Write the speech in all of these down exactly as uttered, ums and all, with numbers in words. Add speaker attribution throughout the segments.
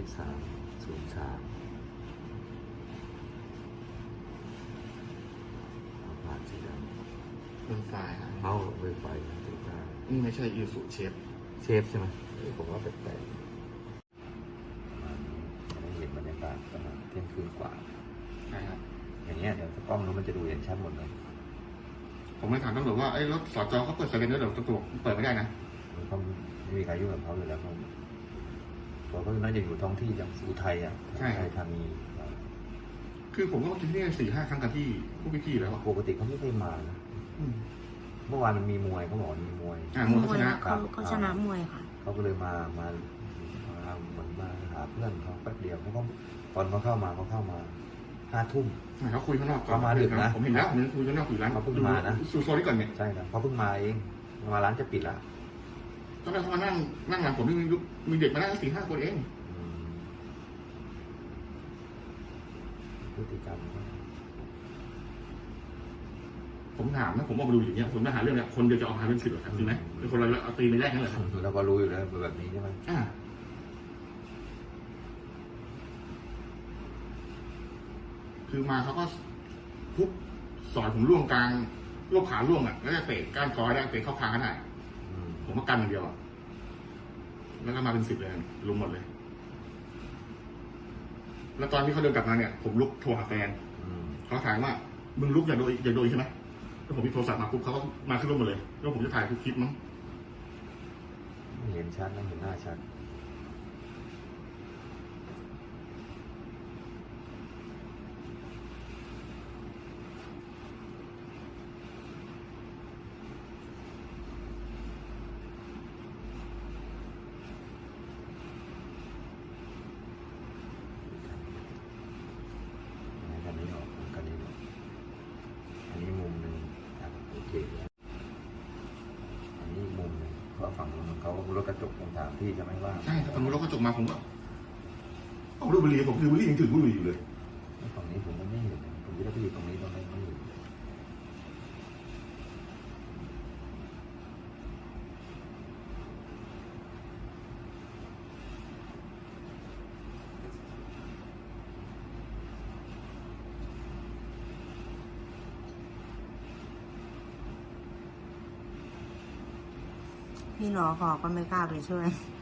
Speaker 1: สามศูนย์สามผ่านสีดำ
Speaker 2: เป็นไฟล์ครับ
Speaker 1: เข้าไวไฟนะตัวกลาง
Speaker 2: นี่ไม่ใช่อีสุเชฟ
Speaker 1: เชฟใช่ไหมผมว่าแปลกๆประมาณนี้จะได้เห็นบรรยากาศประมาณเที่ยงคืนกว่า
Speaker 2: ใช่ครับ
Speaker 1: อย่างเงี้ยเดี๋ยวกล้องนู้นมันจะดูเห็นชัดหมดเลย
Speaker 2: ผมไม่ถามตำรวจว่าไอ้รถสจเขาเปิดไซเรนด้วยเดี๋ยวตำรวจเปิดไม่ได้นะ
Speaker 1: เขาไม่มีใครยุ่งกับเขาอยู่แล้วเขาตัวเขาน่าจะอยู่ท้องที่อย่างอุทัยอ่ะอุทัยธานี
Speaker 2: คือผมก็มากินที่นี่สี่ห้าครั้งกับที่พวกพี่ๆแล้วอะ
Speaker 1: ปกติเขาไม่เคยมานะเมื่อวานมันมีมวยเขาบอกมีมวย
Speaker 2: อ่ามวยเขาชนะ
Speaker 3: เขาเขาชนะมวยค่ะ
Speaker 1: เขาก็เลยมามามาเหมือนมาหาเพื่อนเขาแป๊บเดียวเขาก็ตอนเขาเข้ามาเขาเข้ามาห้าทุ่ม
Speaker 2: เขาคุยข้างนอกก่อน
Speaker 1: เขามาดึกนะ
Speaker 2: ผมเห็นแล้วผมคุยข้างนอกอยู่ร้าน
Speaker 1: เขาเพิ่งมานะ
Speaker 2: ซูโซนี่ก่อนเนี่ย
Speaker 1: ใช่ครับเขาเพิ่งมาเองมาร้านจะปิดละ
Speaker 2: ตอนแรกเขามานั่งนั่งหลังผมนี่มีลูกมีเด็กมานั่งสี่ห้าคนเอง
Speaker 1: อืมพฤติกรรมเขา
Speaker 2: ผมถามนะผมออกมาดูอย่างเงี้ยผมมาหาเรื่องเนี่ยคนเดียวจะออกมาเป็นสิบหรอครับจริงไหมเป็นคนเราเอาตีในแรกนั่นแหละครับ
Speaker 1: เราก็รู้อยู่แล้วแบบนี้ใช่ไหม
Speaker 2: อ่าคือมาเขาก็ทุบสอนผมล่วงกลางล่วงขาล่วงอ่ะแล้วจะเตะก้านคอได้เตะเข้าคางก็ได้
Speaker 1: อืม
Speaker 2: ผมก็กันอย่างเดียวอะแล้วก็มาเป็นสิบเลยลุมหมดเลย แล้วตอนที่เขาเดินกลับมาเนี่ยผมลุกโทรหาแฟน
Speaker 1: อืม
Speaker 2: เขาถามว่ามึงลุกอย่าโดยอย่าโดยใช่ไหมแล้วผมพิโทรศัพท์มาปุ๊บเขาก็มาขึ้นรถหมดเลยแล้วผมจะถ่ายทุกคลิปมั้ง
Speaker 1: ไม่เห็นชัดนะเห็นหน้าชัดกันนี้ออกกันนี้ออกอันนี้มุมหนึ่งครับโอเคอันนี้มุมหนึ่งเพราะฝั่งนู้นเขารถกระจกผมถามพี่จะไม่ว่า
Speaker 2: ใช่แต่ตอนนู้นรถกระจกมาผมก็เอาดูบุหรี่ผมคือบุหรี่ยังถือบุหรี่อยู่เลย
Speaker 1: ฝั่งนี้ผมไม่เห็นผมจะได้ไปอยู่ตรงนี้ตรงนี้ไม่เห็น
Speaker 3: พี่หนอขอก็ไม่กล้าไปช่วย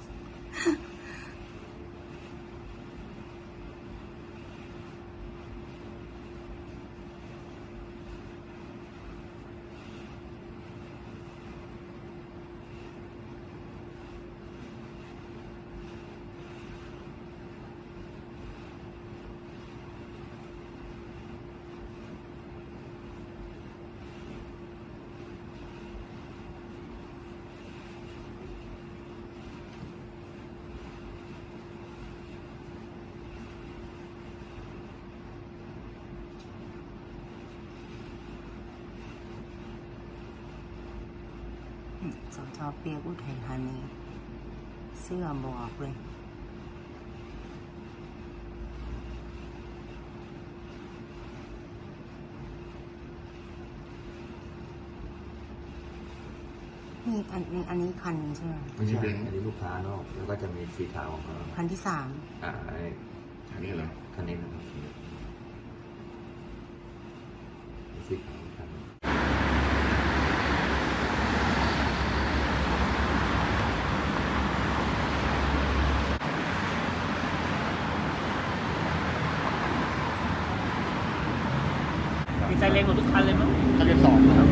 Speaker 3: สจเปียกอุทัยธานีเสื้อบอกเลย นี่อันนี้อันนี้คันใช่ไหม
Speaker 1: ไม่ใช่อันนี้ลูกค้านอกแล้วก็จะมีสีขาวของเขา
Speaker 3: คันที่สาม
Speaker 1: อ่าไอ้
Speaker 2: อันนี้เหรอ
Speaker 1: คันนี้นะครับสีขาวคันนี้
Speaker 4: มีไซเรนหมดทุกคันเลยมั้ง
Speaker 2: ทะเบียนสองนะครับ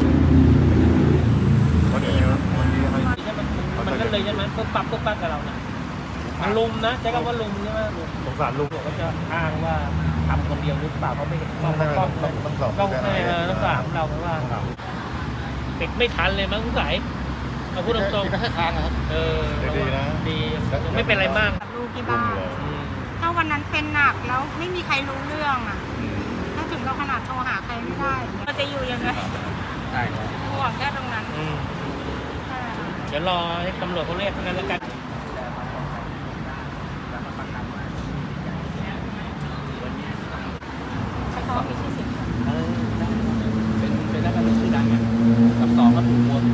Speaker 1: วันนี้วันนี้ให้
Speaker 4: มันก็เลยใช่ไหมปุ๊บปั๊บปุ๊บปั๊บกับเราเนี่ยมันลุมนะใช้คำว่าลุมใช่ไหมสงสารลุงก็จะอ้างว่าทำคนเดียวหรือเปล่าเขาไม่เห็นกล้องกล้องต้องให้ต้องถามเราเพราะว่าเด็กไม่ทันเลยมั้งสงสัยเราพูดตรง
Speaker 2: ก็แค่ค้างนะครับ
Speaker 4: ๆเออดีนะดีไม่เป็นไรมาก
Speaker 3: ลูกที่บ้านถ้าวันนั้นเป็นหนักแล้วไม่มีใครรู้เรื่องอ่ะถ้าถึงเราขนาดโทรหาใครไม่ได้เราจะอยู่ยังไง
Speaker 2: ใช่
Speaker 3: ห่วงแค่ตรงนั้น
Speaker 4: อืม
Speaker 3: ใช่ค่ะ
Speaker 4: เดี๋ยวรอให้ตำรวจเขาเรียกกันแล้วกัน
Speaker 3: เขามีชื่อเสียง
Speaker 4: เป็นเป็นนักการเมืองชื่อดังไงกับสองก็ถูกโหวต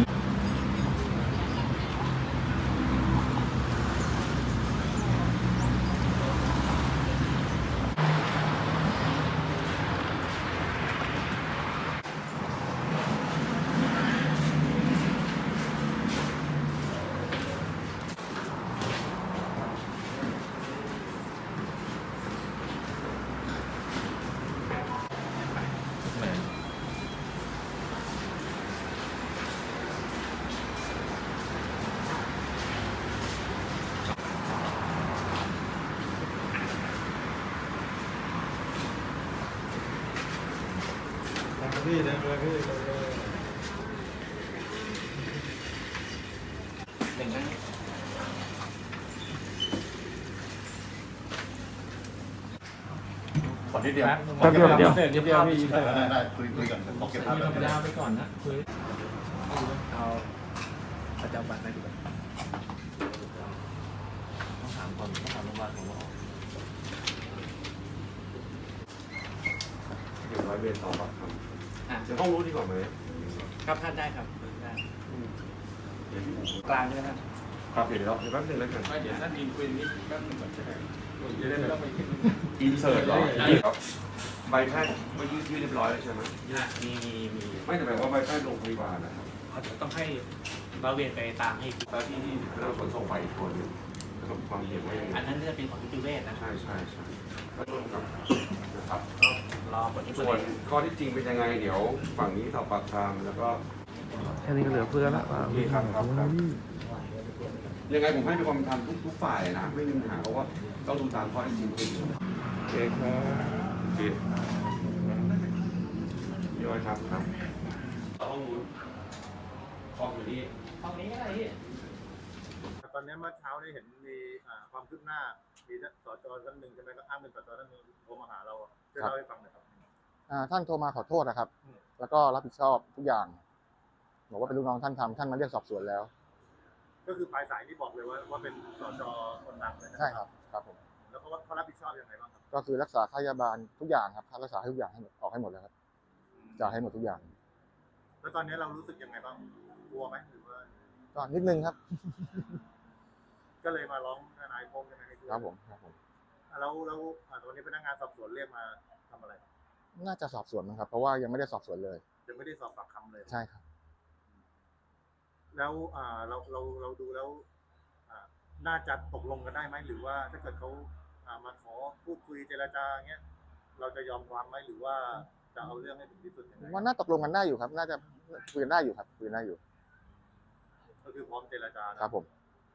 Speaker 1: พี่เดินเลยพี่
Speaker 4: หนึ่งนะ
Speaker 2: ขอนิดเดียว
Speaker 4: แป๊บเดียวเดียวเดียวเดียวพี่
Speaker 2: ได้ได้คุยคุยกันผมเก็บภาพ
Speaker 4: ธรรมดาไปก่อนนะคุยเอาประจำวันไหมดีกว่าต้องถามก่อนต้องถามโรงพยาบาลของเรา
Speaker 1: เดี๋ยวร้อยเวรสอบปากค
Speaker 4: อ่ะ
Speaker 1: ำจะต้องรู้ดีกว่าไหม
Speaker 4: ครับท่านได้ครับได้
Speaker 1: เดี๋ยวพี่
Speaker 4: กลางใช่ไหมครับ
Speaker 1: ครับเดี๋ยวเราเดี๋ยวแป๊บนึงแล้วกัน
Speaker 4: ไม่เดี๋ยวท่านยินคุยนิดแป๊บนึงก่อนใช่ไหมจะได้ไม่ต้องไปคิด
Speaker 1: อินเสิร์ตเหรอครับใบแพทย์เมื่อกี้ยื่นเรียบร้อยแล้วใช่ไหม
Speaker 4: มีมีมี
Speaker 1: ไม่แต่หมายว่าใบแพทย์โรงพยาบาลนะครับ
Speaker 4: เขาจะต้องให้เราเวียนไปตามให้
Speaker 1: แล้วที่ที่เราขนส่งไปอีกคนหนึงสรุปความเห็นว่ายังไง
Speaker 4: อันนั้นจะเป็นของนิติเวชนะ
Speaker 1: ใช่ใช่ใช่ก็ร่วมกับนะครับ
Speaker 4: รอผลนิติ
Speaker 1: ส่
Speaker 4: เว
Speaker 1: วน
Speaker 4: ช
Speaker 1: ข้อที่จริงเป็นยังไงเดี๋ยวฝั่งนี้สอบปากคำแล้วก็
Speaker 5: แค่นี้ก็เหลือเฟือแล้ว
Speaker 1: โอเคครับครับครับยังไงผมให้เป็นความเป็นธรรมทุกทุกฝ่ายนะไม่มีปัญหาเพราะว่าต้องดูตามข้อที่จริงเป็น
Speaker 5: โอเคครับ
Speaker 1: โอเคพี่อ้อยครับครับห้องนู้นคอมอยู่นี่
Speaker 4: ห้องนี้ก็ได้พี่
Speaker 6: ตอนนี้เมื่อเช้าได้เห็นมีอ่าความคืบหน้ามีสจท่านหนึ่งใช่ไหมก็อ้างเป็นสจท่านหนึ่งโทรมาหาเราอะช่วยเล่าให้ฟังหน่อยครับ
Speaker 7: อ่าท่านโทรมาขอโทษนะครับ แล้วก็รับผิดชอบทุกอย่างบอกว่าเป็นลูกน้องท่านทำท่านมาเรียกสอบสวนแล้ว
Speaker 6: ก็คือปลายสายที่บอกเลยว่าว่าเป็นสจคนดังเลยนะ
Speaker 7: ใช่ครับครับผม
Speaker 6: แล้วเขาเขารับผิดชอบยังไงบ้างครับ
Speaker 7: ก็คือรักษาค่ายาบาลทุกอย่างครับค่ารักษาให้ทุกอย่างให้หมดออกให้หมดแล้วครับจ่ายให้หมดทุกอย่าง
Speaker 6: แล้วตอนนี้เรารู้สึกยังไงบ้างกลัวไหมหรือว่า
Speaker 7: ก็นิดนึงครับ
Speaker 6: ก็เลยมาร้องทนายพงษ์ใช่ไหมให้ช่วย
Speaker 7: ครับผมครับผม
Speaker 6: อ่ะแล้วแล้วอ่าตอนนี้พนักงานสอบสวนเรียกมาทำอะไรครับ
Speaker 7: น่าจะสอบสวนมั้งครับเพราะว่ายังไม่ได้สอบสวนเลย
Speaker 6: ยังไม่ได้สอบปากคำเลย
Speaker 7: ใช่ครับ
Speaker 6: แล้วอ่าเราเราเราดูแล้วอ่าน่าจะตกลงกันได้ไหมหรือว่าถ้าเกิดเขาอ่ามาขอพูดคุยเจรจาเงี้ยเราจะยอมความไหมหรือว่าจะเอาเรื่องให้ถึงที่สุดยังไง
Speaker 7: ว่าน่าตกลงกันได้อยู่ครับ น่าจะคุยกันได้อยู่ครับคุยกันได้อยู่
Speaker 6: ก็คือพร้อมเจรจานะครับ
Speaker 7: ผม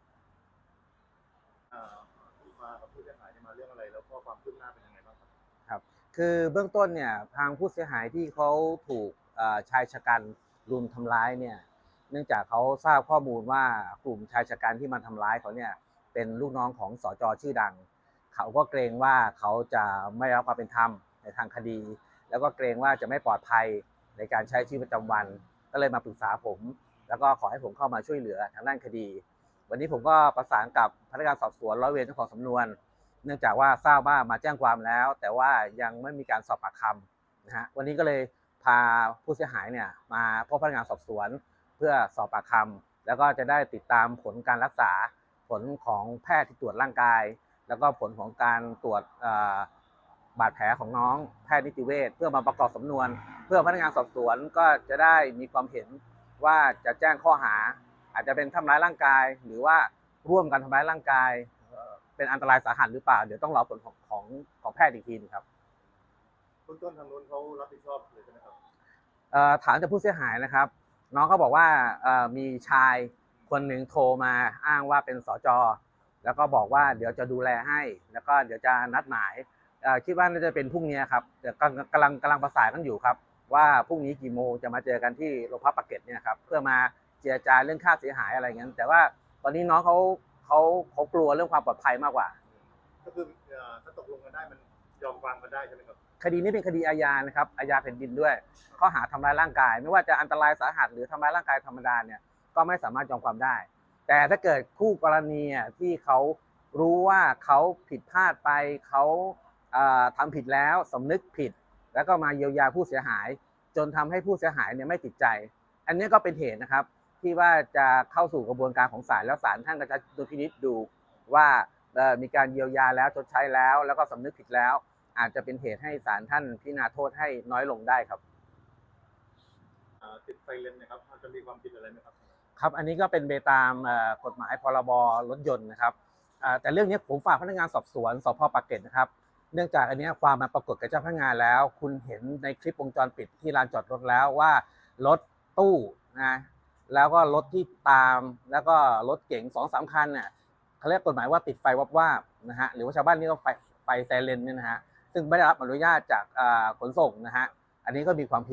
Speaker 6: อ่ามากับผู้เสียหายเนี่ยมาเรื่องอะไรแล้วก็ความคืบหน้าเป็นยังไงบ้างครับ
Speaker 8: คือเบื้องต้นเนี่ยทางผู้เสียหายที่เขาถูกเอ่อชายชะกันรุมทำร้ายเนี่ยเนื่องจากเขาทราบข้อมูลว่ากลุ่มชายชะกันที่มาทำร้ายเขาเนี่ยเป็นลูกน้องของสจชื่อดัง เขาก็เกรงว่าเขาจะไม่ได้รับความเป็นธรรมในทางคดี แล้วก็เกรงว่าจะไม่ปลอดภัยในการใช้ชีวิตประจำวัน ก็เลยมาปรึกษาผม แล้วก็ขอให้ผมเข้ามาช่วยเหลือทางด้านคดี วันนี้ผมก็ประสานกับพนักงานสอบสวนร้อยเวรเจ้าของสำนวน เนื่องจากว่าทราบว่ามาแจ้งความแล้ว แต่ว่ายังไม่มีการสอบปากคำนะฮะวันนี้ก็เลยพาผู้เสียหายเนี่ยมาพบพนักงานสอบสวนเพื่อสอบปากคำแล้วก็จะได้ติดตามผลการรักษาผลของแพทย์ที่ตรวจร่างกาย แล้วก็ผลของการตรวจบาดแผลของน้องแพทย์นิติเวชเพื่อมาประกอบสำนวน เพื่อพนักงานสอบสวนก็จะได้มีความเห็นว่าจะแจ้งข้อหา อาจจะเป็นทำร้ายร่างกาย หรือว่าร่วมกันทำร้ายร่างกายเป็นอันตรายสาหัสหรือเปล่าเดี๋ยวต้องรอผลของของของแพทย์อีกทีนึงครับ
Speaker 6: เบื้องต้นทางนู้นเขารับผิดชอบเลยใช่ไหมครับ
Speaker 8: เอ่อถามจากผู้เสียหายนะครับ น้องเขาบอกว่าเอ่อมีชายคนหนึ่งโทรมาอ้างว่าเป็นสจแล้วก็บอกว่าเดี๋ยวจะดูแลให้ แล้วก็เดี๋ยวจะนัดหมายเอ่อคิดว่าน่าจะเป็นพรุ่งนี้ครับเดี๋ยวกำลังกำลังกำลังประสานกันอยู่ครับว่าพรุ่งนี้กี่โมงจะมาเจอกันที่โรงพักปากเกร็ดเนี่ยครับเพื่อมาเจรจาเรื่องค่าเสียหายอะไรเงี้ยแต่ว่าตอนนี้น้องเขาเขาเขากลัวเรื่องความปลอดภัยมากกว่า
Speaker 6: ก็คือเอ่อถ้าตกลงกันได้มันยอมความกันได้ใช่ไหมครับ
Speaker 8: คดีนี้เป็นคดีอาญานะครับอาญาแผ่นดินด้วยข้อหาทำร้ายร่างกาย ไม่ว่าจะอันตรายสาหัสหรือทำร้ายร่างกายธรรมดาเนี่ยก็ไม่สามารถยอมความได้ แต่ถ้าเกิดคู่กรณีที่เขารู้ว่าเขาผิดพลาดไปเขาเอ่อทำผิดแล้วสำนึกผิด แล้วก็มาเยียวยาผู้เสียหาย จนทำให้ผู้เสียหายเนี่ยไม่ติดใจ อันนี้ก็เป็นเหตุนะครับที่ว่าจะเข้าสู่กระบวนการของศาลแล้วศาลท่านก็จะดูพินิจดูว่าเอ่อมีการเยียวยาแล้วชดใช้แล้ว แล้วก็สำนึกผิดแล้ว อาจจะเป็นเหตุให้ศาลท่านพิจารณาโทษให้น้อยลงได้ครับ
Speaker 6: อ่าติดไซเรนนะครับจะมีความผิดอะไรไหมครับ
Speaker 8: ครับอันนี้ก็เป็นไปตามเอ่อกฎหมายพรบรถยนต์นะครับอ่าแต่เรื่องนี้ผมฝากพนักงานสอบสวนสพปากเกร็ดนะครับเนื่องจากอันนี้ความมาปรากฏกับเจ้าพนักงานแล้ว คุณเห็นในคลิปวงจรปิดที่ลานจอดรถแล้วว่ารถตู้นะแล้วก็รถที่ตามแล้วก็รถเก๋งสองสามคันเนี่ยเขาเรียกกฎหมายว่าติดไฟวับวาบนะฮะหรือว่าชาวบ้านนี่ก็ไฟไฟไซเรนเนี่ยนะฮะซึ่งไม่ได้รับอนุญาตจากขนส่งนะฮะอันนี้ก็มีความผิด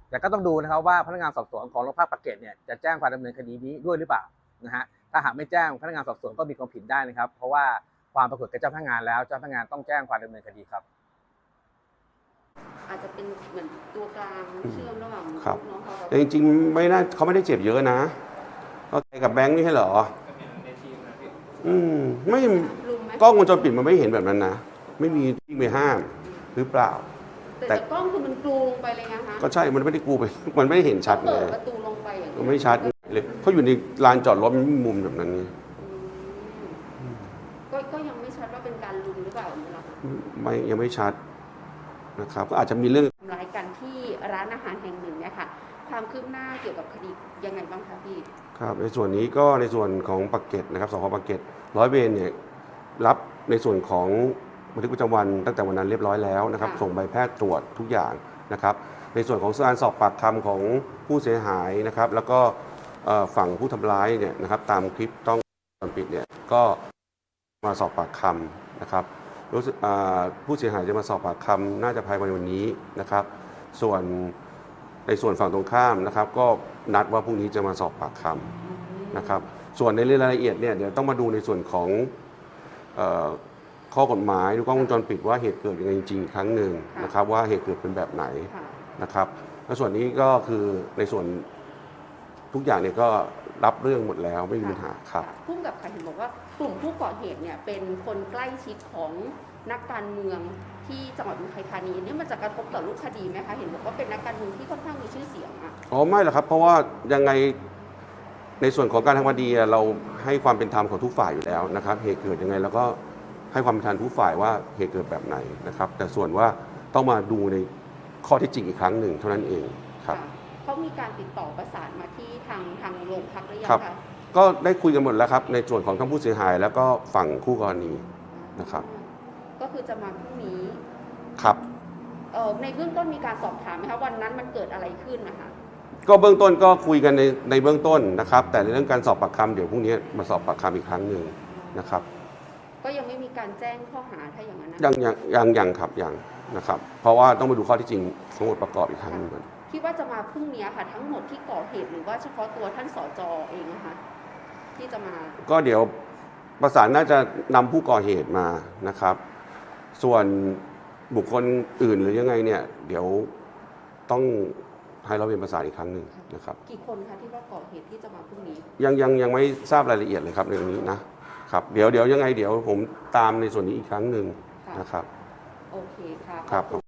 Speaker 8: แต่ก็ต้องดูนะครับว่าพนักงานสอบสวนของโรงพักปากเกร็ดเนี่ยจะแจ้งความดำเนินคดีนี้ด้วยหรือเปล่านะฮะถ้าหากไม่แจ้งพนักงานสอบสวนก็มีความผิดได้นะครับเพราะว่าความปรากฏกับเจ้าพนักงานแล้วเจ้าพนักงานต้องแจ้งความดำเนินคดีครับ
Speaker 9: อาจจะเป็นเหมือนตัวกลางเชื่อมระหว่าง
Speaker 10: ครับ
Speaker 9: น้องเขา
Speaker 10: แต่จริงๆไม่น่าเขาไม่ได้เจ็บเยอะนะก็ไปกับแบงค์นี่ใช่เหรออืมไม่
Speaker 9: ลุมไหม
Speaker 10: กล้องวงจรปิดมันไม่เห็นแบบนั้นนะไม่มีวิ่งไปห้ามหรือเปล่า
Speaker 9: แต่
Speaker 10: แต่
Speaker 9: จากกล้องคือมันกลูลงไปเลยนะคะ
Speaker 10: ก็ใช่มันไม่ได้กูไปมันไม่ได้เห็นชัดไง
Speaker 9: เปิดประตูลงไปอย่าง
Speaker 10: มันไม่ชัดเลยเขาอยู่ในลานจอดรถมันไม่มีมุมแบบนั้นไง
Speaker 9: อืมก็ก็ยังไม่ชัดว่าเป็นการลุมหรือเปล่าอย่างนี้หรอคะ
Speaker 10: ไม่ยังไม่ชัดนะครับก็อาจจะมีเรื่อง
Speaker 9: ทำร้ายกันที่ร้านอาหารแห่งหนึ่งเนี่ยค่ะความคืบหน้าเกี่ยวกับคดียังไงบ้างคะพี่
Speaker 10: ครับในส่วนนี้ก็ในส่วนของปากเกร็ดนะครับสพปากเกร็ดร้อยเวรเนี่ยรับในส่วนของบันทึกประจำวันตั้งแต่วันนั้นเรียบร้อยแล้วนะครับส่งใบแพทย์ตรวจทุกอย่างนะครับในส่วนของการสอบปากคำของผู้เสียหายนะครับแล้วก็เอ่อฝั่งผู้ทำร้ายเนี่ยนะครับตามคลิปต้องวงจรปิดเนี่ยก็มาสอบปากคำนะครับรู้สึกอ่าผู้เสียหายจะมาสอบปากคำน่าจะภายในวันนี้นะครับส่วนในส่วนฝั่งตรงข้ามนะครับก็นัดว่าพรุ่งนี้จะมาสอบปากคำนะครับส่วนในเรื่องรายละเอียดเนี่ยเดี๋ยวต้องมาดูในส่วนของเอ่อข้อกฎหมายดูกล้องวงจรปิดว่าเหตุเกิดยังไงจริงๆอีกครั้งหนึ่งนะครับว่าเหตุเกิดเป็นแบบไหน
Speaker 9: ค่ะ
Speaker 10: นะครับและส่วนนี้ก็คือในส่วนทุกอย่างเนี่ยก็รับเรื่องหมดแล้วไม่มีปัญหาครับ
Speaker 9: พุ่มกับค่ะเห็นบอกว่ากลุ่มผู้ก่อเหตุเนี่ยเป็นคนใกล้ชิดของนักการเมืองที่จังหวัดอุทัยธานีนี่มันจะกระทบต่อรูปคดีไหมคะเห็นบอกว่าเป็นนักการเมืองที่ค่อนข้างมีชื่อเสียงอะ
Speaker 10: อ๋อไม่หรอกครับเพราะว่ายังไงในส่วนของการทำคดีเราให้ความเป็นธรรมของทุกฝ่ายอยู่แล้วนะครับเหตุเกิดยังไงเราก็ให้ความเป็นธรรมทุกฝ่ายว่าเหตุเกิดแบบไหนนะครับแต่ส่วนว่าต้องมาดูในข้อที่จริงอีกครั้งหนึ่งเท่านั้นเองครับ
Speaker 9: ค่ะเขามีการติดต่อประสานมาที่ทางทางโรงพักหรือยัง
Speaker 10: ครับ
Speaker 9: คะ
Speaker 10: ก็ได้คุยกันหมดแล้วครับในส่วนของทั้งผู้เสียหายแล้วก็ฝั่งคู่กรณีนะครับ
Speaker 9: ก็คือจะมาพรุ่งนี้
Speaker 10: ครับ
Speaker 9: เอ่อในเบื้องต้นมีการสอบถามไหมคะวันนั้นมันเกิดอะไรขึ้นนะคะ
Speaker 10: ก็เบื้องต้นก็คุยกันในในเบื้องต้นนะครับแต่ในเรื่องการสอบปากคำเดี๋ยวพรุ่งนี้มาสอบปากคำอีกครั้งหนึ่งนะครับ
Speaker 9: ก็ยังไม่มีการแจ้งข้อหาถ้าอย่างนั้นนะ
Speaker 10: ยังยังยังยังครับยังนะครับเพราะว่าต้องไปดูข้อที่จริงทั้งหมดประกอบอีกครั้งหนึงก่อน
Speaker 9: คิดว่าจะมาพรุ่งนี้ค่ะทั้งหมดที่ก่อเหตุหรือว่าเฉพาะตัวท่านสจเองนะคะที่จะมา
Speaker 10: ก็เดี๋ยวประสานน่าจะนำผู้ก่อเหตุมานะครับ ส่วนบุคคลอื่นหรือยังไงเนี่ยเดี๋ยวต้องให้เราเป็นประสานอีกครั้งหนึ่งนะครับ
Speaker 9: กี่คนคะที่ว่าก่อเหตุที่จะมาพรุ่งนี้
Speaker 10: ยังยังยังไม่ทราบรายละเอียดเลยครับในเรื่องนี้นะครับเดี๋ยวเดี๋ยวยังไงเดี๋ยวผมตามในส่วนนี้อีกครั้งหนึ่งนะครับ
Speaker 9: โอเคค่ะ
Speaker 10: ครับ